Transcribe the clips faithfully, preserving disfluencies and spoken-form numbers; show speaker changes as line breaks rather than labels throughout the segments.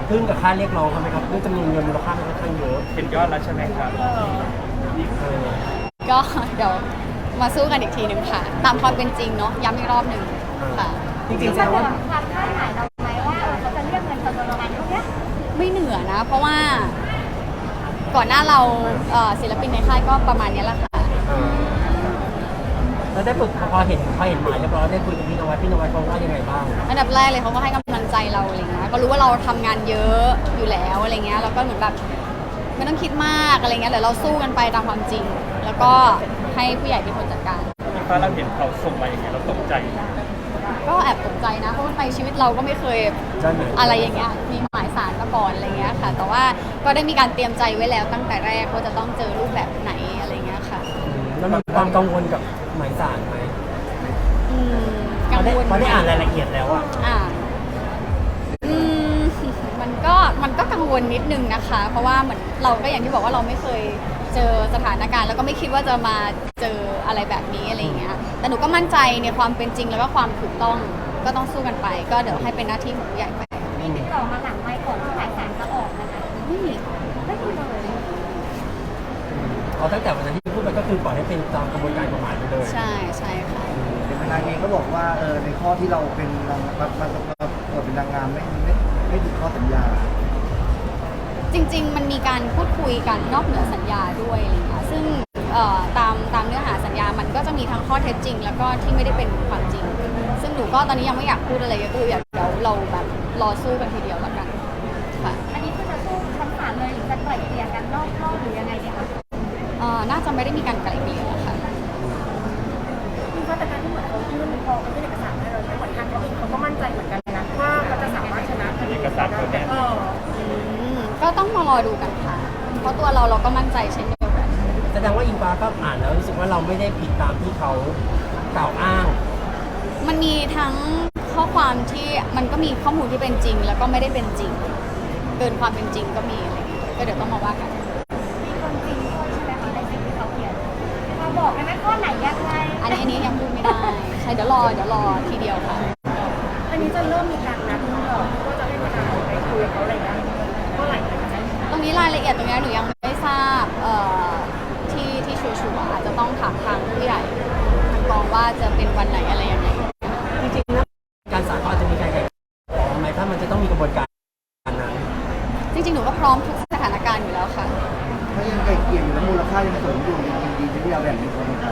ทึ่งกับค่าเรียกร้องเขาไหมครับด้วยจำนวนเงินมูลค่ามันค่อนข้างเยอะ
เห็นยอดแล้วใช่ไหมครับ
เออ
ก็เดี๋ยวมาสู้กันอีกทีหนึ่งค่ะ ตามความเป็นจริงเนาะย้ำอีกรอบหนึ่งค่ะ
จริงๆแสดงว่า
ความคาดหมายเราไหมว่าเขาจะเรียกเงินจำนวนประมาณเท่านี้
ไม่เหนือนะ เพราะว่าก่อนหน้าเราเอ่อศิลปินในค่ายก็ประมาณนี้แหละค่ะ
เออแล้วได้ฝึกพอเห็นพอเห็นหมายเรียบร้อยได้คุยกับพี่นวัดพี่นวัดเขาว่ายังไงบ้าง
อันดับแรกเลยเขาก็ให้กำลังใจเราอะไรเงี้ยก็รู้ว่าเราทำงานเยอะอยู่แล้วอะไรเงี้ยแล้วก็เหมือนแบบไม่ต้องคิดมากอะไรเงี้ยเดี๋ยวเราสู้กันไปตามความจริง แล้วก็ให้ผู้ใหญ่เป็นคนจัดการ
พี่ฟ้าเราเห็นเขาส่งมาอย่างเงี้ยเราตกใจไหม
ก็แอบตกใจนะเพราะว่าในชีวิตเราก็ไม่เคย
ใช่ไหม
อะไรอย่างเงี้ยมีหมายสารมาก่อนอะไรเงี้ยค่ะ แต่ว่าก็ได้มีการเตรียมใจไว้แล้วตั้งแต่แรกว่าจะต้องเจอรูปแบบไหนอะไรเงี้ยค่ะ
อืมแล้วมีความกังวลกับหมายสารไหม
อืมกัง
พอได้
วล
พอได้อ่านรายละเอียดแล้วอะ
อ่าอืมมันก็มันก็กังวลนิดนึงนะคะ เพราะว่าเหมือนเราก็อย่างที่บอกว่าเราไม่เคยเจอสถานการณ์แล้วก็ไม่คิดว่าจะมาเจออะไรแบบนี้อะไรอย่างเงี้ยแต่หนูก็มั่นใจในความเป็นจริงแล้วก็ความถูกต้องก็ต้องสู้กันไป ก็เดี๋ยวให้เป็นหน้าที่ของผู้ใหญ่ไป
มีติดต่อมาหลังไม่ก่อนที่หมายสารจะออกนะคะ
ไม่มี
ไม่มีเลย
เอาตั้งแต่วันนั้นที่พูดไปก็คือปล่อยให้เป็นตามกระบวนการกฎหมายไปเลย
ใช่ใช่ค่ะ
เป็นทนายเองก็บอกว่าเออในข้อที่เราเป็นนางมันมันเราเป็นนางงามไม่ไม่ไม่ผิดข้อสัญญา
จริงๆ มันมีการพูดคุยกันนอกเหนือสัญญาด้วยอะไรเงี้ยซึ่งเอ่อตามตามเนื้อหาสัญญา มันก็จะมีทั้งข้อเท็จจริง แล้วก็ที่ไม่ได้เป็นความจริง ซึ่งหนูก็ตอนนี้ยังไม่อยากพูดอะไรเยอะก็อยากเดี๋ยวเราแบบรอสู้กันทีเดียวแล้วกันค่ะ
อันนี้คือจะสู้ชั้นศาลเลยหรือจะไกล่เกลี่ยกันนอกรอบหรือยังไงดีคะ
เอ่อน่าจะไม่ได้มีการไกล่เกลี่ยค่ะ
คือว่าแต่การที่เหมือนเขายื่นพอเขายื่นเอกสารให้เราเหมือนทางเขาเองเขาก็มั่นใจเหมือนกันนะว่าเขาจะสามารถชนะคดี
เอกสารเขาแน่น
เออ
อืมก็ต้องมารอดูกันค่ะ เพราะตัวเราเราก็มั่นใจเช่นเดียวกัน
แสดงว่าอิงฟ้าก็อ่านแล้วรู้สึกว่าเราไม่ได้ผิดตามที่เขากล่าวอ้าง
มันมีทั้งข้อความที่มันก็มีข้อมูลที่เป็นจริง แล้วก็ไม่ได้เป็นจริง เกินความเป็นจริงก็มีอะไรเงี้ยก็เดี๋ยวต้องมาว่ากัน
มีคนจริงด้วยใช่ไหมคะในสิ่งที่เขาเขียนมาบอกได้ไหมข้อไหนยังไง
อันนี้อันนี้ยังพูดไม่ได้ ใช่เดี๋ยวรอเดี๋ยวรอทีเดียวค่ะ
อันนี้จะเริ่มมีการนัดก่อนว่าจะให้ทนายไปคุยกับเขาอะไรนะเมื่อไหร่นะคะ
ตรงนี้รายละเอียดตรงนี้หนูยังไม่ทราบเอ่อที่ที่ชัวร์ๆอาจจะต้องถามทางผู้ใหญ่ทางกองว่าจะเป็นวันไหนอะไรยังไง
จริงๆนะการศาลเขาอาจจะมีการไกล่เกลี่ยทำไมถ้ามันจะต้องมีกระบวนการนั้น
จริงๆหนูก็พร้อมทุกสถานการณ์อยู่แล้วค่ะ
ถ้ายังไกลเกลี่ยอยู่แล้วมูลค่ายังสูงอยู่ยังยินดีที่เราแบ่งเป็นคนกลาง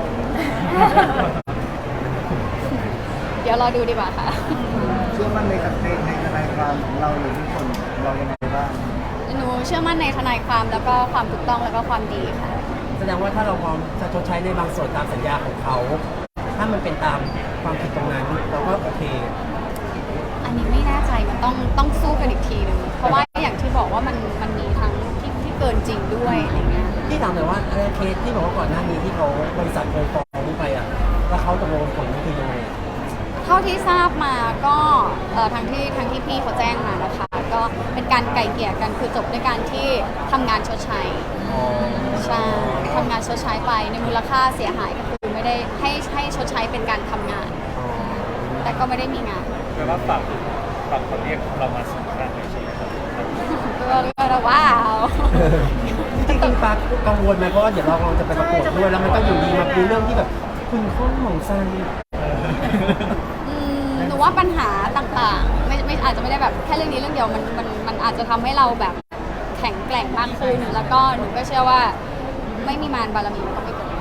เดี๋ยวรอดูดีกว่าค่ะ
เชื่อมั่นในในในทนายความของเราหรือทุกคนเรายังไงบ้าง
หนูเชื่อมั่นในทนายความแล้วก็ความถูกต้องแล้วก็ความดีค่ะ
แสดงว่าถ้าเราพร้อมจะชดใช้ในบางส่วนตามสัญญาของเขา ถ้ามันเป็นตามความผิดตรงนั้นเราก็โอเค
อันนี้ไม่แน่ใจมันต้องต้องสู้กันอีกทีหนึงเพราะว่าอย่างที่บอกว่ามันมันมีทั้งที่ที่เกินจริงด้วยอะไรเงี้ย
ที่ถามแต่อยว่าเออเคสที่บอกว่าก่อนหน้านี้ที่เขาบริษัทเคยฟ้องไปอ่ะแล้วเขาตกลงผลนี่คือยังไง
เท่าที่ทราบมาก็เอ่อทางที่ทางที่พี่เขาแจ้งมานะคะ ก็เป็นการไกล่เกลี่ยกันคือจบด้วยการที่ทำงานชดใช้
อ๋อ
ใช่ทำงานชดใช้ไปในมูลค่าเสียหายก็คือไม่ได้ให้ให้ชดใช้เป็นการทำงาน
อ๋อ
แต่ก็ไม่ได้มีงาน
แปลว่าฝั่งฝั่งเขาเรียกเรามาสัมภาษณ์เลยใช่ไหมครับ
ก็ก็ว้าว
จริงๆปากังวลไหมเพราะว่าเดี๋ยวเรากำลังจะไปประกวดด้วยแล้วมันก็อยู่ดีมาเป็นเรื่องที่แบบคุณข้องของซัน
อืมหนูว่าปัญหาต่างๆไม่ไม่อาจจะไม่ได้แบบแค่เรื่องนี้เรื่องเดียวมันมันมันอาจจะทำให้เราแบบแข็งแกร่งมากขึ้น แล้วก็หนูก็เชื่อว่าไม่มีมารบารมีก็ไม่เป็นไร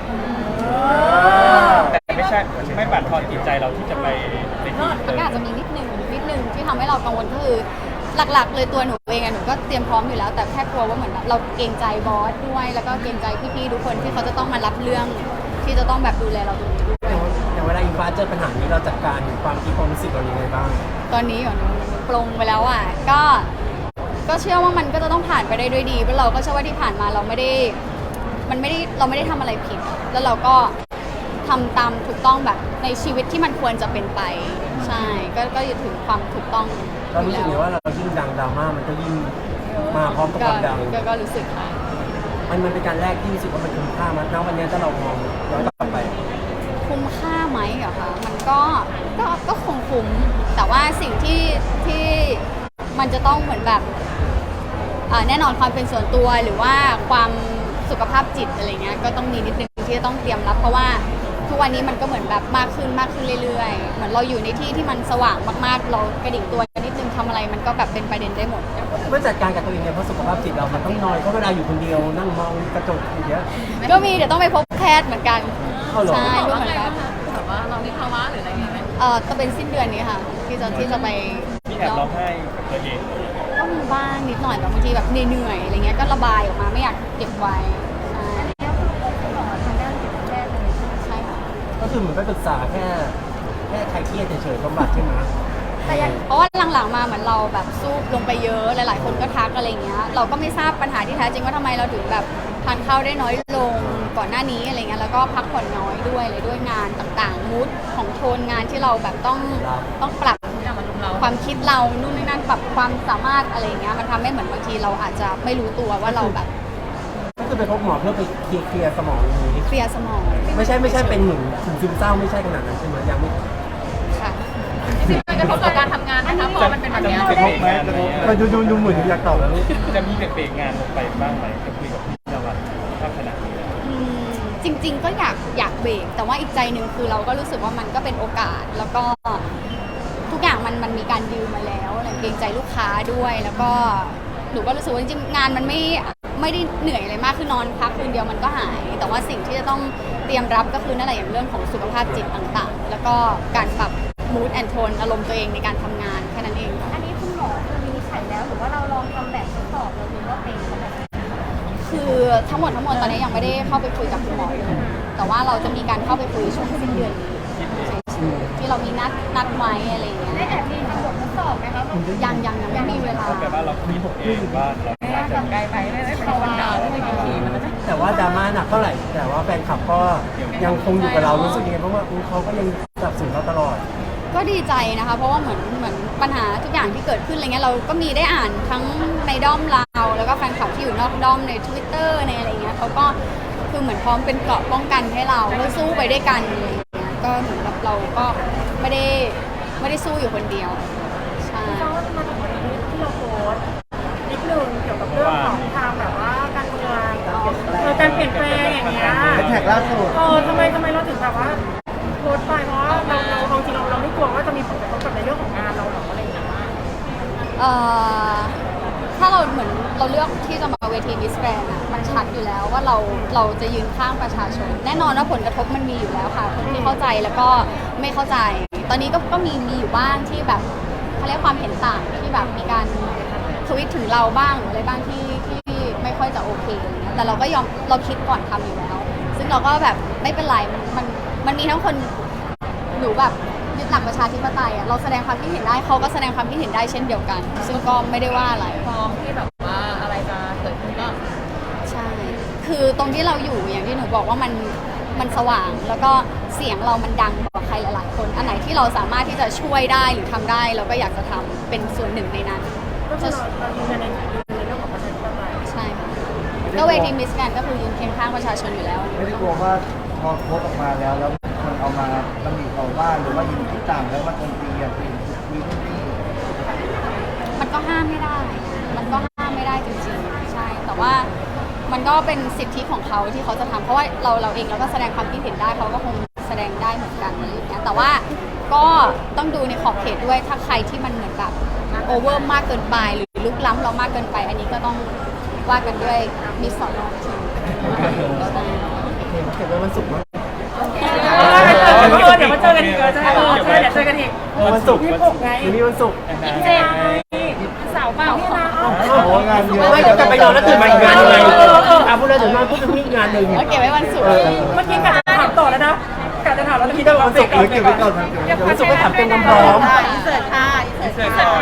แต่ไม่ใช่ไม่บั่นทอนจิตใจเราที่จะไปในที่
มันก็อาจจะมีนิดนึงนิดนึงที่ทำให้เรากังวลก็คือหลักๆ เลยตัวหนูเองอะหนูก็เตรียมพร้อมอยู่แล้ว แต่แค่กลัวว่าเหมือนแบบเราเกรงใจบอสด้วย แล้วก็เกรงใจพี่ๆทุกคนที่เขาจะต้องมารับเรื่องที่จะต้องแบบดูแลเราตรงนี้ด้วย
อย่างเวลาอิงฟ้าเจอปัญหานี้เราจัดการความคิดความรู้สึกเรายังไงบ้าง
ตอนนี้ก่อนหนูหนูปลงไปแล้วอ่ะก็ก็เชื่อว่ามันก็จะต้องผ่านไปได้ด้วยดีเพราะเราก็เชื่อว่าที่ผ่านมาเราไม่ได้มันไม่ได้เราไม่ได้ทำอะไรผิด แล้วเราก็ทำตามถูกต้องแบบในชีวิตที่มันควรจะเป็นไปใช่ก็ก็อยู่ถึงความถูกต้อง
เรารู้สึกไงว่าเรายิ่งดังดราม่ามันก็ยิ่งมาพร้อมกับค
ก็
วามดัง
ก็ก็รู้สึกค่ะ
มันมันเป็นการแรกที่รู้สึกว่ามันคุ้มค่ามันณวันนี้ถ้าเรามองย้อนกลับไป
คุ้มค่าไหมเหรอคะมันก็ก็ก็คงคุ้มแต่ว่าสิ่งที่ที่มมันจะต้องเหมือนแบบอ่าแน่นอนความเป็นส่วนตัวหรือว่าความสุขภาพจิตอะไรเงี้ยก็ต้องมีนิดนึงที่จะต้องเตรียมรับเพราะว่าทุกวันนี้มันก็เหมือนแบบมากขึ้นมากขึ้นเรื่อยๆเหมือนเราอยู่ในที่ที่มันสว่างมากๆเรากระดิกตัวนิดนึงทำอะไรมันก็แบบเป็นประเด็นได้หมด
เมื่อจัดการกับตัวเองเนี่ยเพราะสุขภาพจิตเรามันต้องนอนเพราะเวลาอยู่คนเดียวนั่งมองกระจกอย่างเงี้ย
ก็มีเดี๋ยวต้องไปพบแพทย์เหมือนกัน
เอาเหรอ
ใช่รู้เหมือนกัน
แบบว่าเรามีภาวะหรืออะไรอย่างเงี้ยไหม
เอ่อจะเป็นสิ้นเดือนนี้ค่ะ ที่จะที่จะไป
มีแอบร้องไห้กับตัวเอง
ก็มีบ้างนิดหน่อยแบบบางทีแบบเหนื่อยๆอะไรเงี้ยก็ระบายออกมาไม่อยากเก็บไว้ใช่
แล้วคือพบคุณหมอทางด้านจิตแพทย์เลย
ใช่ค่ะ
ก็คือเหมือนไปปรึกษาแค่แค่ใครเครียดเฉยๆบำบัดใช่ไหม
แต่อย่างเพราะว่าหลังๆมาเหมือนเราแบบสู้ลงไปเยอะหลายๆคนก็ทักอะไรเงี้ยเราก็ไม่ทราบปัญหาที่แท้จริงว่าทำไมเราถึงแบบทานข้าวได้น้อยลงก่อนหน้านี้อะไรเงี้ยแล้วก็พักผ่อนน้อยด้วยเลยด้วยงานต่างๆมูดของโทนงานที่เราแบบต้องต้องปรับ
อย่างมันลุมเรา
ความคิดเรานู่นนี่นั่นปรับความสามารถอะไรเงี้ยมันทำให้เหมือนบางทีเราอาจจะไม่รู้ตัวว่าเราแบบ
ก็คือไปพบหมอเพื่อไปเคลียร์เคลียร์สมองอย่างนี้
เคลียร์สมอง
ไม่ใช่ไม่ใช่เป็นหนึ่งถึงซึมเศร้าไม่ใช่ขนาดนั้นใช่ไหมยังไม่
ค่ะ
จริงๆมันกระทบต่อการทำงานนะคะพอมันเป็นแบบ
จะ
เนี้
มี
ย
เบรกงานไหม
มาดูดูดูเหมือนอยากตอบแล้วลูก
จะมีเบรกงานลงไปบ้างไหมจะคุยกับพี่นวัดถ้าขนาดนี้
อืมจริง ๆ ก็อยากอยากเบรกแต่ว่าอีกใจหนึ่งคือเราก็รู้สึกว่ามันก็เป็นโอกาส แล้วก็ทุกอย่างมันมันมีการดิวมาแล้วอะไรเกรงใจลูกค้าด้วยแล้วก็หนูก็รู้สึกว่าจริงๆงานมันไม่ไม่ได้เหนื่อยอะไรมากคือนอนพักคืนเดียวมันก็หาย แต่ว่าสิ่งที่จะต้องเตรียมรับก็คือนั่นแหละอย่างเรื่องของสุขภาพจิตต่างๆ แล้วก็การปรับ mood and tone อารมณ์ตัวเองในการทำงานแค่นั้นเอง
อันนี้คุณหมอคือวินิจฉัยแล้วหรือว่าเราลองทำแบบทดสอบเราดูว่าเป็นขนาดไหน
คือทั้งหมดทั้งมวลตอนนี้ยังไม่ได้เข้าไปคุยกับคุณหมอเลยแต่ว่าเราจะมีการเข้าไปคุยช่วงสิ้นเดือนนี้ที่เรามีนัดนัดไว้อะไรอย่างเงี้ย
ได้แอบมีทำบททดสอบไหมคะว่า
ยังยังยังไม่มีเวลา
ก็แปลว่าเราคิดเองว่าเราน่าจะ
ไกลไปไม่ได้เป็นวันดาวที่ไม่กี่ทีมันจะไม่
แต่ว่าดราม่าหนักเท่าไหร่ แต่ว่าแฟนคลับก็ยังคงอยู่กับเรารู้สึกยังไงเพราะว่าอุ๊ยเขาก็ยังสนับสนุนเราตลอด
ก็ดีใจนะคะ เพราะว่าเหมือนเหมือนปัญหาทุกอย่างที่เกิดขึ้นอะไรเงี้ยเราก็มีได้อ่านทั้งในด้อมเราแล้วก็แฟนคลับที่อยู่นอกด้อมใน Twitter ในอะไรเงี้ยเขาก็คือเหมือนพร้อมเป็นเกราะป้องกันให้เราเพื่อสู้ไปด้วยกันอะไรเงี้ยก็เหมือนกับเราก็ไม่ได้ไม่ได้สู้อยู่คนเดียวใช่
ก็มาถึงวันนี้ที่เราโพสต์นิดนึงเกี่ยวกับเรื่องของทางแบบว่าการเมืองเออการเปลี่ยนแปลงอย่างเงี้ย
แฮชแท็กล่าสุด
เออทำไมทำไมเราถึงแบบว่าโพสต์ไปเพราะว่าเราเราเราจริงๆเราเราไม่กลัวว่าจะมีผลกระทบกับในเรื่องของงานเราหรออะไรอย่างเงี้ย
เอ่อถ้าเราเหมือนเราเลือกที่จะมาเวทีมิสแกรนด์อะมันชัดอยู่แล้วว่าเราเราจะยืนข้างประชาชน แน่นอนว่าผลกระทบมันมีอยู่แล้วค่ะคนที่เข้าใจแล้วก็ไม่เข้าใจ ตอนนี้ก็ก็มีมีอยู่บ้างที่แบบเขาเรียกความเห็นต่างที่แบบมีการทวิตถึงเราบ้างหรืออะไรบ้างที่ที่ไม่ค่อยจะโอเคอะไรเงี้ยแต่เราก็ยอมเราคิดก่อนทำอยู่แล้ว ซึ่งเราก็แบบไม่เป็นไรมันมันมันมีทั้งคนหนูแบบยึดหลักประชาธิปไตยอ่ะเราแสดงความคิดเห็นได้เขาก็แสดงความคิดเห็นได้เช่นเดียวกัน ซึ่งก็ไม่ได้ว่าอะไร
พร้อมที่แบบว่าอะไรจะเกิดขึ้นก็
ใช่ คือตรงที่เราอยู่อย่างที่หนูบอกว่ามันมันสว่าง แล้วก็เสียงเรามันดังกว่าใครหลายๆคน อันไหนที่เราสามารถที่จะช่วยได้หรือทำได้เราก็อยากจะทำเป็นส่วนหนึ่งในนั้น
ก็คือเราเรายืนยันในในเรื่องของประชาธิปไตย
ใช่ค่ะก็เวทีมิสแกรนด์ก็คือยืนเคียงข้างประชาชนอยู่แล้ว
ไม่ได้กลัวว่าพอโพสต์ออกมาแล้วแล้วคนเอามาตำหนิเราบ้างหรือว่ายิงที่ต่างแล้วมาโจมตีอย่างอื่นมีนู่นนี่
มันก็ห้ามไม่ได้ มันก็ห้ามไม่ได้จริงๆ ใช่ แต่ว่ามันก็เป็นสิทธิของเขาที่เขาจะทำเพราะว่าเราเราเองเราก็แสดงความคิดเห็นได้เขาก็คงแสดงได้เหมือนกันอะไรอย่างเงี้ยแต่ว่าก็ต้องดูในขอบเขตด้วยถ้าใครที่มันเหมือนแบบโอเวอร์มากเกินไปหรือลุกล้ำเรามากเกินไป อันนี้ก็ต้องว่ากันด้วยมีสอนอที
โอเคเก็บไว้วันศุกร์มั้ง
เดี๋ยวมาเจอกันอีกเออเออเดี๋ยวเจอกันอีก
วันศุกร์
ยี่สิบหกไง
หรือมีวันศุกร์
เจ็ดเสาร์เปล่าเนี่ยนะ
โอ้โหงานเยอะ
ไม่เดี๋ยวกลับไปนอนแล้วตื่นมาอีกงานหนึ่งเลยอ่ะพูดเลยเดี๋ยวนอนพูดถึงอีกงานหนึ่ง
โอเคไว้วันศุกร์
เออ
เมื่อกี้กะจะถามต่อแล้วนะกะจะถามแล้ว
คิดว่าวันศุกร์
เออเก็บไว้ก่อนนะ
เดี๋ยววันศุกร์ก็ถามเต็มความพร้อม
อินเสิร์ตค่ะอินเสิร์ตค่ะ